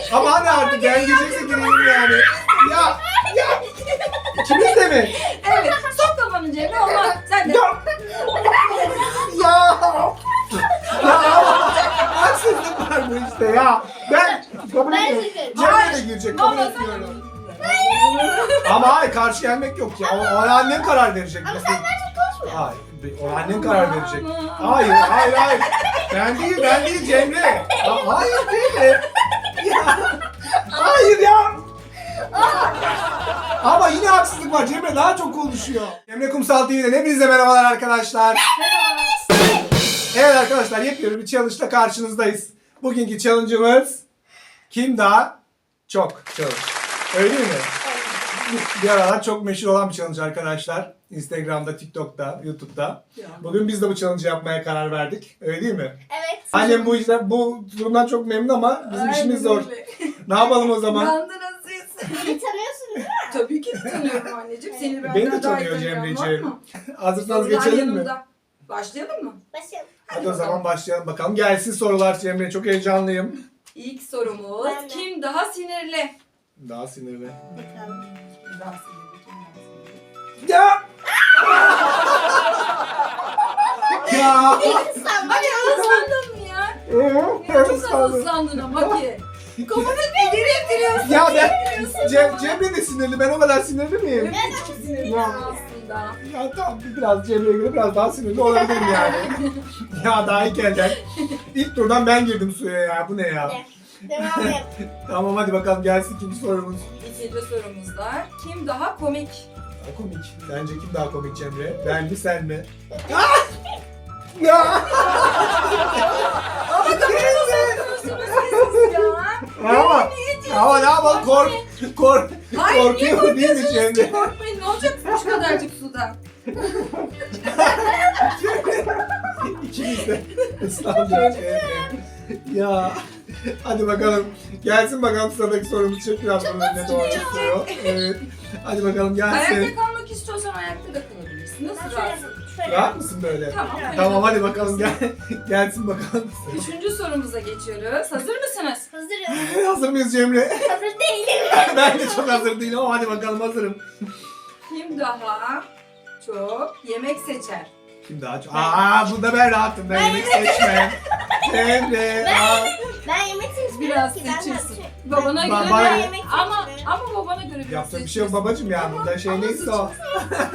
Ama hani artık ben girecekse gireyim yani. Ya. İkimiz de mi? Evet. Sok kafanı cebine olmaz. Sen de. Ya. Haksızlık var bu işte ya. Ben kabul Ben ediyorum. gireceğim. Cemre de girecek kabul Valla sen de. etmiyorum. Ama hayır karşı gelmek yok ya. O annem karar verecek. Ama sen daha çok konuşmuyorsun. Hayır. O annen karar verecek. Hayır. Ben değil Cemre. Hayır Cemre. Ya. Hayır ya. Ama yine haksızlık var. Cemre daha çok konuşuyor. Cemre Kumsal TV'den hepinize merhabalar arkadaşlar. Evet arkadaşlar yepyeni bir challenge'la karşınızdayız. Bugünkü challenge'ımız kim daha çok challenge. Öyle değil mi? Bir aralar çok meşhur olan bir challenge arkadaşlar. Instagram'da, TikTok'ta, YouTube'da. Bugün biz de bu challenge yapmaya karar verdik. Öyle değil mi? Evet. Annem bu durumdan çok memnun ama bizim işimiz zor. Ne yapalım o zaman? Yandınız siz. Beni tanıyorsun değil mi? Tabii ki de tanıyorum anneciğim. Seni benden Beni de daha iyi tanıyor tanıyan var Cemre'ciğim. mı? Hazırsanız Sorular geçelim mi? yanımda. Başlayalım mı? Başlayalım. Hadi o zaman başlayalım bakalım. Gelsin sorular Cemre. Çok heyecanlıyım. İlk sorumuz. Ben de. Kim daha sinirli? Daha sinirli. Bakalım. Kim daha sinirli? Kim daha sinirli? Ya! Ya! Sen Hadi hızlandın mı ya? Çok az hızlandın ama ki. Kafanı bir geri ettiriyorsun. Ya ben Cemre de sinirli. Ben o kadar sinirli miyim? Evet, çok sinirli Ya. aslında. Ya tamam biraz Cemre'ye göre biraz daha sinirli olabilirim yani. Ya daha ilk elden. İlk turdan ben girdim suya ya. Bu ne ya? Devam et. Tamam hadi bakalım gelsin ikinci sorumuz. İkinci sorumuzda kim daha komik? Daha komik. Sence kim daha komik Cemre? Ben mi sen mi? Ya! Ama kafanızı uzatıyorsunuz siz ya. Ama ne yapalım Hayır niye korkuyor değil mi korkuyorsunuz ki? Cemre? Korkmayın ne olacak şu kadarcık suda? İkimiz de ıslandık Cemre. Ya. Hadi bakalım. Gelsin bakalım sıradaki sorumuz. Çek biraz bunun önüne doğru çıkıyor. Evet. Hadi bakalım gelsin. Ayakta kalmak istiyorsan ayakta da kalabilirsin. Nasıl rahatsın? Rahat mısın böyle? Tamam. Tamam hadi bakalım gelsin bakalım. Üçüncü sorumuza geçiyoruz. Hazır mısınız? Hazırım. Hazır mıyız Cemre? Hazır değilim. Ben de çok hazır değilim ama hadi bakalım hazırım. Kim daha çok yemek seçer? Kim daha çok? Bunda ben rahatım. Ben yemek seçmem. Cemre. Ben yemek seçmiyorum Biraz ki. Ben seçirsin. de- Babana göre Bana- de yemek ama seçmiyorum. babana göre biraz Yapacak bir şey yok seçeceksin. babacım ya. Bunda şey Ama neyse o. seçeceksin.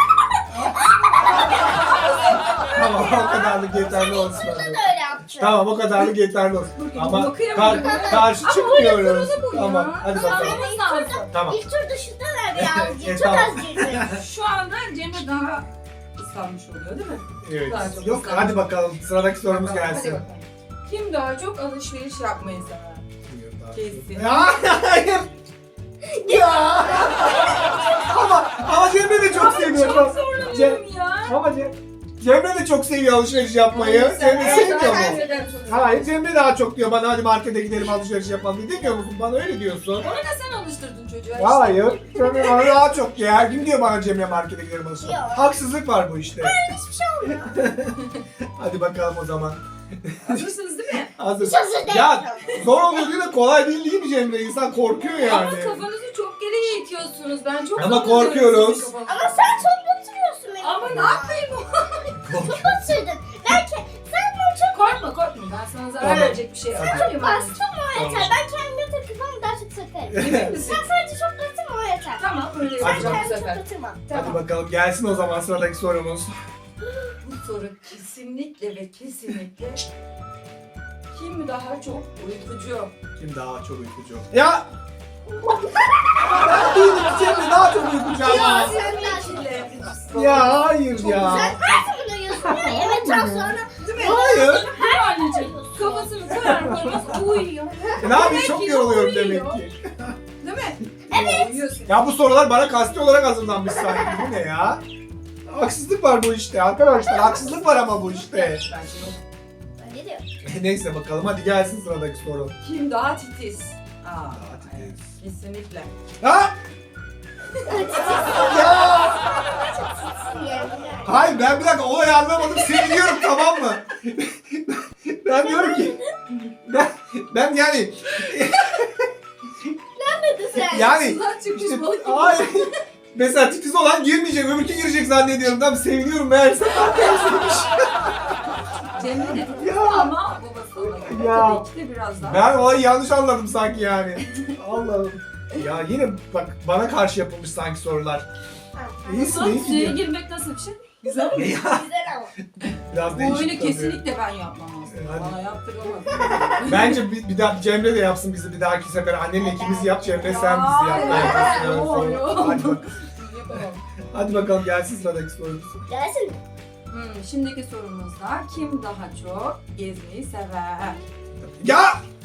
Tamam o kadarlık yeterli olsun. Burada da öyle yaptım. Tamam o kadarlık yeterli olsun. Ama Bakayım. karşı Ama çıkmıyoruz. bu ya. Tamam hadi bakalım. Kazanmamız lazım. Tamam. İlk tur dışında da birazcık. Çok Tamam. az girdim. Şu anda Cemre daha ıslanmış oluyor değil mi? Evet. Daha çok Yok ıslanmış. hadi bakalım sıradaki sorumuz Bakalım, hadi gelsin. bakalım. Kim daha çok alışveriş yapmayı sever? Kesin. Ya hayır. Ya. ama Cemre de çok seviyor. Çok zorlanıyorum ya. Ama Cemre de çok seviyor alışveriş yapmayı. Cemre sevmiyor mu? Hayır Cemre daha çok diyor bana hadi markete gidelim alışveriş yapalım diye. Demiyor musun? Bana öyle diyorsun. Onu da sen alıştırdın çocuğa işte. Hayır. Cemre bana daha çok diyor. Her gün diyor bana Cemre markete gidelim alışveriş. Yok. Haksızlık var bu işte. Hiçbir şey olmuyor. Hadi bakalım o zaman. Hazırsınız değil mi? Hazır. Hiç hazır değilim. Ya zor oluyor diye de kolay değil mi Cemre? İnsan korkuyor Ama yani. kafanızı çok geriye itiyorsunuz. Ben çok Ama zorlanıyorum korkuyoruz. sizin kafanızı. Ama sen çok batırıyorsun beni. Ama ne yapayım? Çok batırdın. Belki sen bunu çok Korkma. Ben sana zarar Tamam. verecek bir şey yapmayayım. bastın mı o yeter. Tamam. Ben kendime takılmam daha çok sakarım. Emin misin? Sen sadece çok batırma o yeter. Tamam öyle Sen yapacağım bu kendini çok sefer. batırma. Hadi Tamam. bakalım gelsin o zaman sıradaki sorumuz. Bu soru kesinlikle ve kesinlikle kim daha çok uykucu? Kim daha çok uykucu? Ya! Ben değilim Cemre daha çok uykucu ama. Sen de Çile. Ya hayır ya. Sen nasıl bunu yiyorsun ya? Yemekten sonra Değil mi? Hayır. Değil mi anneciğim? Kafasını koyar koymaz uyuyor. Ne yapayım Demek çok ki yoruluyorum uyuyor. demek ki. Değil mi? Evet. Uyuyorsun. Ya bu sorular bana kasti olarak hazırlanmış sanki. Bu ne ya? Haksızlık var bu işte arkadaşlar. Haksızlık var ama bu işte. Ben şimdi Ne diyor? Neyse bakalım hadi gelsin sıradaki soru. kim daha titiz? Aa, Daha titiz. evet, kesinlikle. Ha? Ya! Yani. Hayır ben bir dakika olayı anlamadım. Seni diyorum tamam mı? Ben diyorum ki ben yani Yani Sudan çıkmış işte, balık gibi. hayır. Mesela titiz olan girmeyecek, öbürkü girecek zannediyorum. Tam seviniyorum meğerse. Cemre de Ya. ama babası ona. Ya. Tabii ki de biraz daha. Ben olayı yanlış anladım sanki yani. Allah'ım. Ya yine bak bana karşı yapılmış sanki sorular. İyisin, iyi Suya gidiyor. girmek nasıl bir şey? Güzel mi? Ya, Güzel ama. biraz Bu değişik oyunu tabii. kesinlikle ben yapmam aslında. Hadi. Bana yaptıramaz. Bence bir daha Cemre de yapsın bizi bir dahaki sefer. Annenle ikimiz yap, Cemre sen bizi yap. Ya, Evet, evet, yok, evet. yok. Hadi bakalım. Yapamam. Hadi bakalım gelsin sıradaki sorumuz. Gelsin. Şimdiki sorumuzda kim daha çok gezmeyi sever? Ya!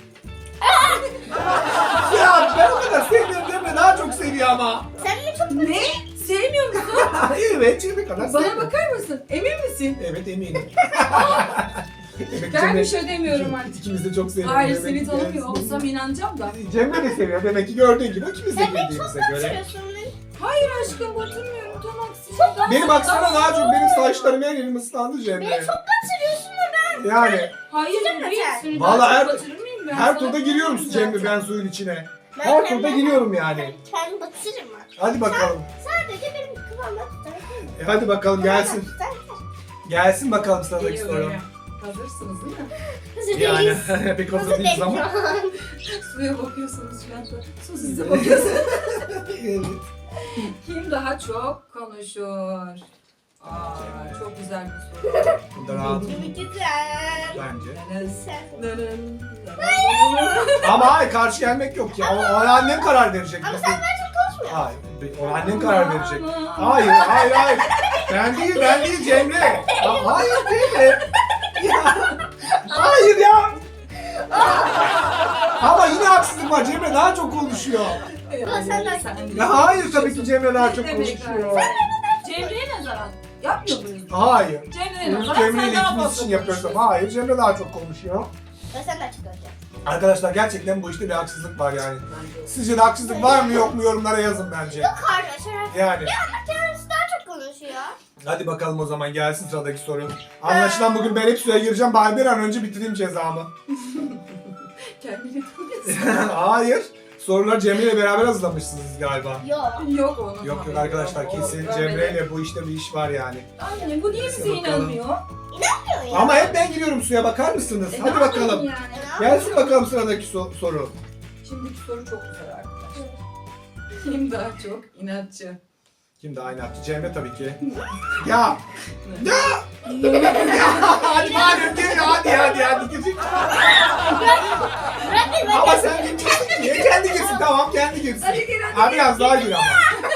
Ya ben o kadar sevmiyorum Cemre daha çok seviyor ama. Sen mi çok Ne? Sevmiyor musun? Evet Cemre kadar Bana sevmiyor. bakar mısın? Emin misin? Evet eminim. Evet, Ben bir şey demiyorum artık. İkimiz de çok seviyoruz. Hayır Demek seni ki tanımıyor gelsin. olsam inanacağım da. Cemre de seviyor. Demek ki gördüğün gibi ikimiz de Sen beni bildiğimize çok göre. batırıyorsun. Hayır aşkım batırmıyorum tamam. Çok Benim baksana daha çok benim saçlarım her yerim ıslandı Cemre. Beni çok batırıyorsun da ben. Yani Hayır Güzel buraya sen. seni Vallahi daha her- çok batırır mıyım ben? her Sana turda giriyorum diyorum Cemre zaten. ben suyun içine. Ben Her kendim- turda giriyorum yani. Kendi batırırım ben. Hadi bakalım. Sadece benim kıvamda tutar. Hadi bakalım gelsin. Gelsin bakalım sıradaki Geliyorum soru. ya. Hazırsınız değil mi? Hazır Yani değiliz. pek Hazır hazır değiliz değiliz ama. Suya bakıyorsunuz şu anda. Su size bakıyorsunuz. Evet. Kim daha çok konuşur? Çok güzel bir soru. Bunda rahat Güzel. bence. Sen. Ama hayır karşı gelmek yok ya. Ona annem karar verecek. Ama sen daha çok konuşmuyorsun. Hayır. Ona annem karar verecek. Hayır. Ben değil Cemre. Ya, hayır Cemre. Ya. Hayır ya. Ama yine haksızlık var. Cemre daha çok konuşuyor. Ya hayır tabii ki Cemre daha çok konuşuyor. Cemre'ye nazaran yapmıyor muyuz? Hayır. Cemre'ye Bunu nazaran Cemre sen ile daha ikimiz fazla için yapıyoruz ama konuşuyorsun. hayır Cemre daha çok konuşuyor. Ben sen de açık olacağım. Arkadaşlar gerçekten bu işte bir haksızlık var yani. Sizce de haksızlık var mı yok mu yorumlara yazın bence. Arkadaşlar Yani. kendisi daha çok konuşuyor. Hadi bakalım o zaman gelsin sıradaki soru. Anlaşılan bugün ben hep suya gireceğim. Bari bir an önce bitireyim cezamı. Kendini tanıyorsun. Hayır. Soruları Cemre ile beraber hazırlamışsınız galiba. Yok. Yok onun. Yok haberi arkadaşlar yok. kesin O Cemre böyle- ile bu işte bir iş var yani. Aynen bu niye bize Bakalım. inanmıyor? Ya. Ama hep ben giriyorum suya bakar mısınız? Ne Hadi yapayım bakalım. Yani. Gelsin bakalım sıradaki soru. Şimdiki soru çok güzel arkadaşlar. Kim daha çok inatçı? Kim daha aynı attı? Cemre tabii ki. Ya! Ya! Hadi madem gir hadi gir. Bırak beni Ama sen girmiyorsun ki. Kendi girsin tamam kendi girsin. Hadi gir hadi. Abi biraz daha gir ama.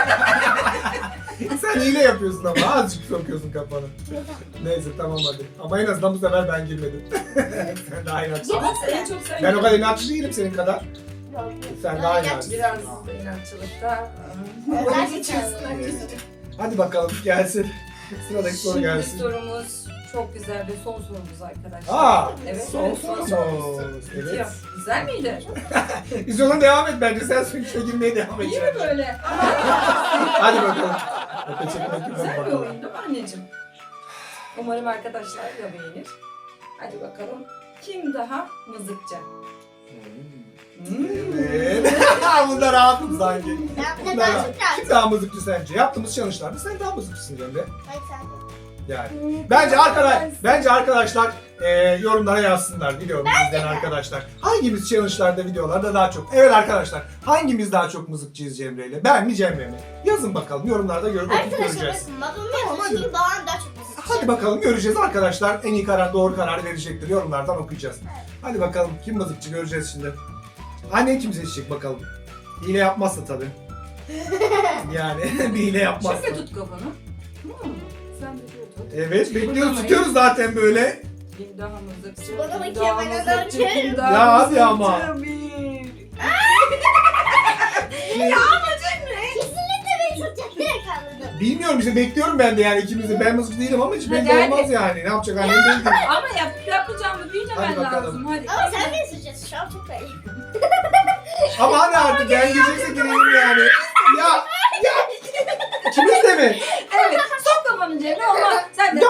Sen hile yapıyorsun ama azıcık sokuyorsun kafanı. Neyse tamam hadi. Ama en azından bu sefer ben girmedim. Sen daha inatçısın. Ama en çok sen Ben o kadar inatçı değilim senin kadar. Sen daha inatçısın. biraz da inatçılıkta. Hadi bakalım gelsin. Sıradaki soru Şimdiki gelsin. sorumuz çok güzel ve son sorumuz arkadaşlar. Aa, Evet, son evet, sorumuz. Bitiyor. Evet. Güzel miydi? Biz ona devam et bence. Sen suyun içine girmeye devam et. İyi mi böyle? Hadi bakalım. Öpe çekmek Güzel bir bakalım. oyun değil mi anneciğim? Umarım arkadaşlar da beğenir. Hadi bakalım. Kim daha mızıkçı? Evet. Bunda rahatım sanki. Ben Bunda daha rahat. çok rahat. Kim daha mızıkçı sence? Yaptığımız challenge'larda sen daha mızıkçısın Cemre. Hayır sen. Yani. Bence arkadaşlar yorumlara yazsınlar videomuzu izleyen arkadaşlar. Hangimiz challenge'larda videolarda daha çok? Evet arkadaşlar hangimiz daha çok mızıkçıyız Cemre ile? Ben mi Cemre mi? Yazın bakalım yorumlarda görüp okuyup Arkadaşlar göreceğiz. bakın babamın Tamam, hadi. yazısını babam daha çok mızıkçı. Hadi bakalım göreceğiz arkadaşlar. En iyi karar doğru karar verecektir. Yorumlardan okuyacağız. Hadi bakalım kim mızıkçı göreceğiz şimdi. Annen kim seçecek bakalım. Hile yapmazsa tabii. Yani bir hile yapmazsa. Şöyle tut kafanı. Sen de şöyle tut. Evet bekliyoruz tutuyoruz zaten böyle. Kim daha mızıkçı? Bana kim bakayım, daha ben mızıkçı, alacağım. kim daha Ya hadi mızıkçı? ama. Kesinlikle beni tutacak. Direkt anladım. Bilmiyorum işte bekliyorum ben de yani ikimiz de. Ben mızıkçı değilim ama hiç belli Hadi, hadi. olmaz yani. Ne yapacak annem belli değil. Ama yapacağımı bilmemen Hadi bakalım. lazım. Hadi. Ama sen beni tutacaksın. Şu an çok iyi. Ama hadi artık ben girecekse gireyim yani. Ya ikimiz de mi? Evet. Sok kafanı cebine olmaz. Sen de. Ya.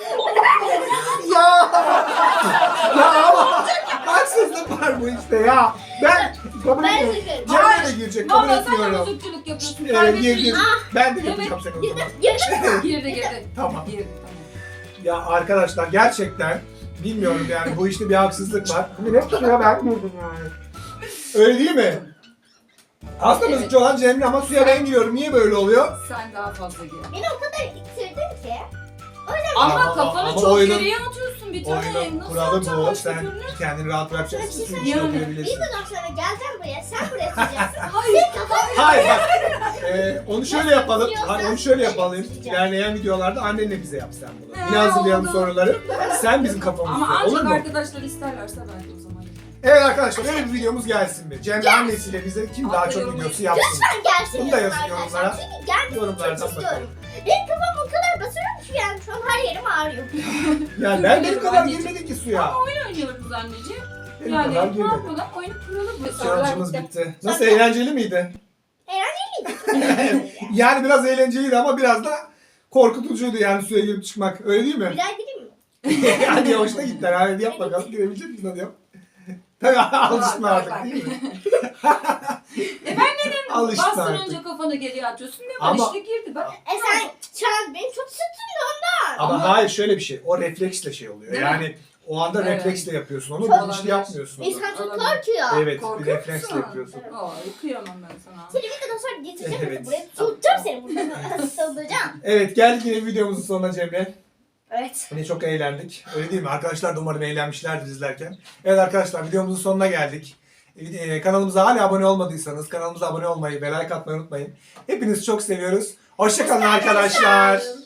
Ya. Ya ama haksızlık var bu işte ya. Ben Ben sıkıyorum. Cemre Ben de girecek. Kabul Valla sen de etmiyorum. bozukçuluk yapıyorsun. Evet girdim. Ben de Evet. yapacağım seni o zaman. Girdi. Tamam. Girdi. Ya arkadaşlar gerçekten bilmiyorum yani bu işte bir haksızlık var. Bugün hep suya ben girdim yani. Öyle değil mi? Aslında Evet. mızıkçı olan Cemre ama suya ben giriyorum. Niye böyle oluyor? Sen daha fazla gir. Beni o kadar ittirdin ki. Ama Ama kafanı çok oyunun- geriye atıyorsun bir tane. Oyunun Nasıl kuralı atacaksın bu. başka Sen türlü? kendini rahat bırakacaksın. Sana bir şey Suyun içine söyleyeyim mi? Bir oturabilirsin. dönem sonra geleceğim buraya. Sen buraya tutacaksın. Hayır. Hayır bak. Onu şöyle yapalım. Hani onu şöyle yapalım. İlerleyen videolarda annenle bize yap sen bunu. Yine hazırlayalım oldu. soruları. Sen bizim Ama kafamızda. Olur ancak mu? arkadaşlar isterlerse belki o zaman. Evet arkadaşlar öyle bir videomuz gelsin mi? Cemre annesiyle bize kim daha çok Aferin. videosu yapsın? Lütfen gelsin Bunu da yazın yazın arkadaşlar. yorumlara. Çünkü gelmesini Yorumlardan çok istiyorum. Benim kafam o kadar basıyorum ki yani şu an her yerim ağrıyor. Yani ben benim kadar Anneciğim. girmedik ki suya. Ama oyun oynuyoruz anneciğim. Benim Yani kadar ne girmedik. yapalım? Oyunu kuralım. Challenge'ımız bitti. Nasıl eğlenceli miydi? Eğlenceliydi. Yani biraz eğlenceliydi ama biraz da korkutucuydu yani suya girip çıkmak. Öyle değil mi? Bir daha gireyim mi? Hadi yavaşta gittiler. Hadi yap bakalım. Girebilecek misin? Hadi yap. Tabii alıştın Bak, artık bak. değil mi? Ben dedim Alıştın bastırınca artık. kafanı geriye atıyorsun. Ne var Ama- işte girdi bak. Sen şu an beni çok sıktın da ondan. Ama Ama- hayır şöyle bir şey. O refleksle şey oluyor. Değil mi? Yani o anda Evet. refleksle yapıyorsun. Onu Çok bilinçli olabilir. yapmıyorsun. onu. İnsan çok Olabilir. korkuyor. Evet bir Korkuyor refleksle musun? yapıyorsun. Ay kıyamam ben sana. Seni videodan sonra getireceğim Evet. buraya. Tutacağım seni burada. Tutacağım. Evet geldik yine videomuzun sonuna Cemre. Evet. Yine çok eğlendik. Öyle değil mi? Arkadaşlar da umarım eğlenmişlerdir izlerken. Evet arkadaşlar videomuzun sonuna geldik. Kanalımıza hala abone olmadıysanız kanalımıza abone olmayı ve like atmayı unutmayın. Hepinizi çok seviyoruz. Hoşça kalın arkadaşlar.